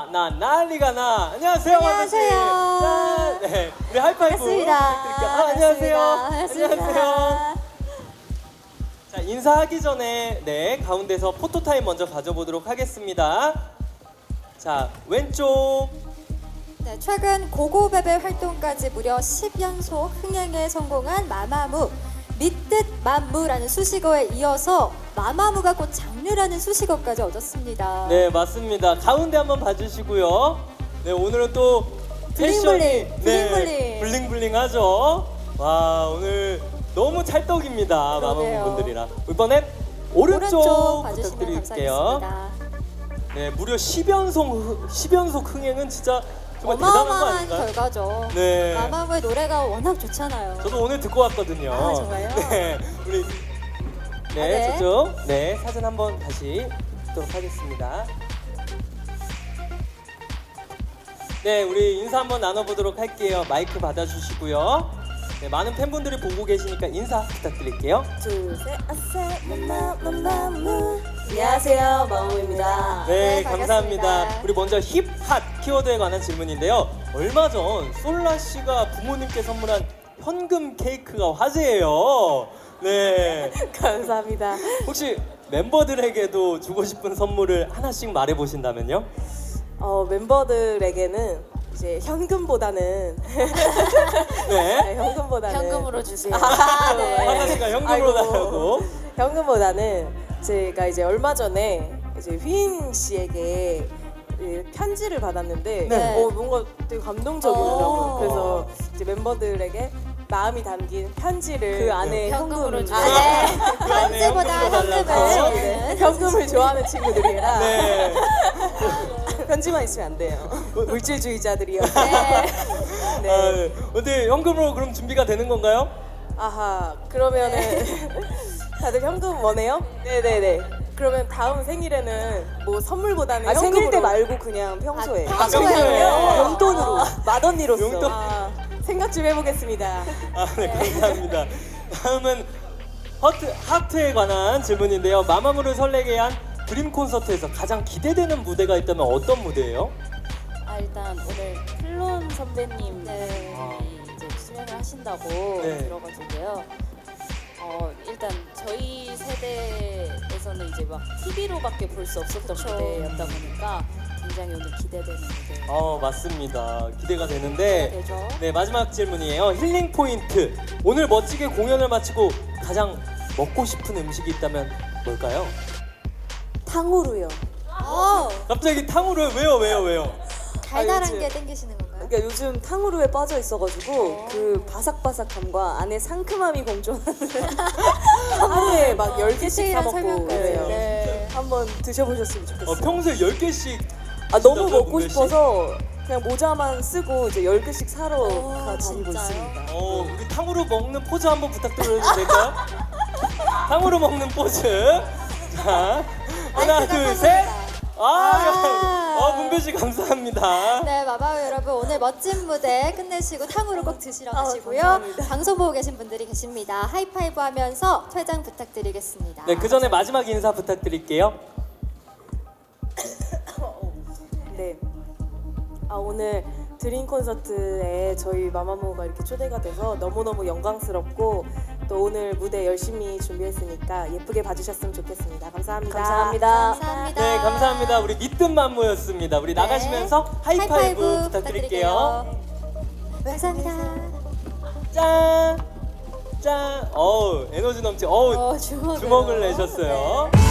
나 난리가 나. 안녕하세요, 안녕하세요. 짠. 네, 우리 하이파이브 반갑습니다. 부탁드릴게요. 안녕하세요. 반갑습니다. 안녕하세요. 자, 인사하기 전에 가운데서 포토타임 먼저 가져보도록 하겠습니다. 자, 왼쪽. 네, 최근 고고베베 활동까지 무려 10연속 흥행에 성공한 마마무. 믿듯 만무라는 수식어에 이어서 마마무가 곧 장르라는 수식어까지 얻었습니다. 네, 맞습니다. 가운데 한번 봐주시고요. 네, 오늘은 또 패션이 블링블링. 블링블링하죠. 와, 오늘 너무 찰떡입니다. 그러게요. 마마무분들이랑. 이번엔 오른쪽 봐주시면 부탁드릴게요. 감사하겠습니다. 네, 무려 10연속 흥행은 진짜 정말 대단한 거 어마어마한 아닌가요? 결과죠. 네. 마마무의 노래가 워낙 좋잖아요. 저도 오늘 듣고 왔거든요. 아, 정말요? 네, 우리 네. 저쪽 사진 한번 다시 찍도록 하겠습니다. 네, 우리 인사 한번 나눠보도록 할게요. 마이크 받아주시고요. 네, 많은 팬분들이 보고 계시니까 인사 부탁드릴게요. 둘, 셋, 아싸, 마마무. 안녕하세요, 마무입니다. 네, 반갑습니다. 감사합니다. 우리 먼저 힙핫 키워드에 관한 질문인데요. 얼마 전 솔라 씨가 부모님께 선물한 현금 케이크가 화제예요. 네, 감사합니다. 혹시 멤버들에게도 주고 싶은 선물을 하나씩 말해 보신다면요? 멤버들에게는 이제 현금보다는 네, 현금보다는 현금으로 주세요. 아, 네. 하나 씨가 현금으로 아이고. 달라고. 현금보다는 제가 이제 얼마 전에 이제 휘인 씨에게 편지를 받았는데 네. 뭔가 되게 감동적이더라고요. 오. 그래서 이제 멤버들에게 마음이 담긴 편지를 그 안에 현금으로 현금을 주세요. 아, 네. 그 안에 편지보다 현금으로 현금을 달라고. 주는. 현금을 좋아하는 친구들이라 네. 편지만 있으면 안 돼요. 물질주의자들이요. 네. 네. 아, 네. 근데 현금으로 그럼 준비가 되는 건가요? 아하. 그러면은 다들 현금 원해요? 네네네. 그러면 다음 생일에는 뭐 선물보다는 생일 때 현금으로- 말고 그냥 평소에 아, 평소에요? 용돈으로 맏언니로서 용돈? 아, 생각 좀 해보겠습니다. 아, 네, 감사합니다. 다음은 하트에 관한 질문인데요. 마마무를 설레게 한 드림 콘서트에서 가장 기대되는 무대가 있다면 어떤 무대예요? 일단 오늘 클론 선배님이 네. 이제 출연을 하신다고 네. 들어가지고요. 일단 저희 세대에서는 이제 막 TV로밖에 볼 수 없었던 무대였다 보니까 굉장히 오늘 기대되는 무대. 맞습니다. 기대가 되는데. 되죠. 네, 마지막 질문이에요. 힐링 포인트. 오늘 멋지게 공연을 마치고 가장 먹고 싶은 음식이 있다면 뭘까요? 탕후루요. 갑자기 탕후루 왜요? 달달한 요즘- 게 땡기시는 건가요? 그러니까 요즘 탕후루에 빠져 있어가지고 그 바삭바삭함과 안에 상큼함이 공존하는 하루에 막 10개씩 사 디테일한 먹고 설명까지. 그래요. 네. 한번 드셔보셨으면 좋겠어요. 평소에 10개씩 너무 진짜요, 먹고 문별 씨? 싶어서 그냥 모자만 쓰고 이제 10개씩 사러 다니고 진짜요? 있습니다. 우리 탕후루 먹는 포즈 한번 부탁드려도 될까요? 탕후루 먹는 포즈. 자, 하나, 마이크가 둘, 셋. 아. 문별 씨 감사합니다. 네, 마마우 여러분 오늘 멋진 무대 끝내시고 탕후루 꼭 드시러 가시고요. 감사합니다. 방송 보고 계신 분들이 계십니다. 하이파이브 하면서 퇴장 부탁드리겠습니다. 네, 그 전에 마지막 인사 부탁드릴게요. 네. 오늘 드림 콘서트에 저희 마마무가 이렇게 초대가 돼서 너무너무 영광스럽고 또 오늘 무대 열심히 준비했으니까 예쁘게 봐주셨으면 좋겠습니다. 감사합니다. 감사합니다. 감사합니다. 네, 감사합니다. 우리 믿든 만무였습니다. 우리 나가시면서 하이파이브 부탁드릴게요. 감사합니다. 짠! 짠! 에너지 넘치. 주먹을 주먹을 내셨어요.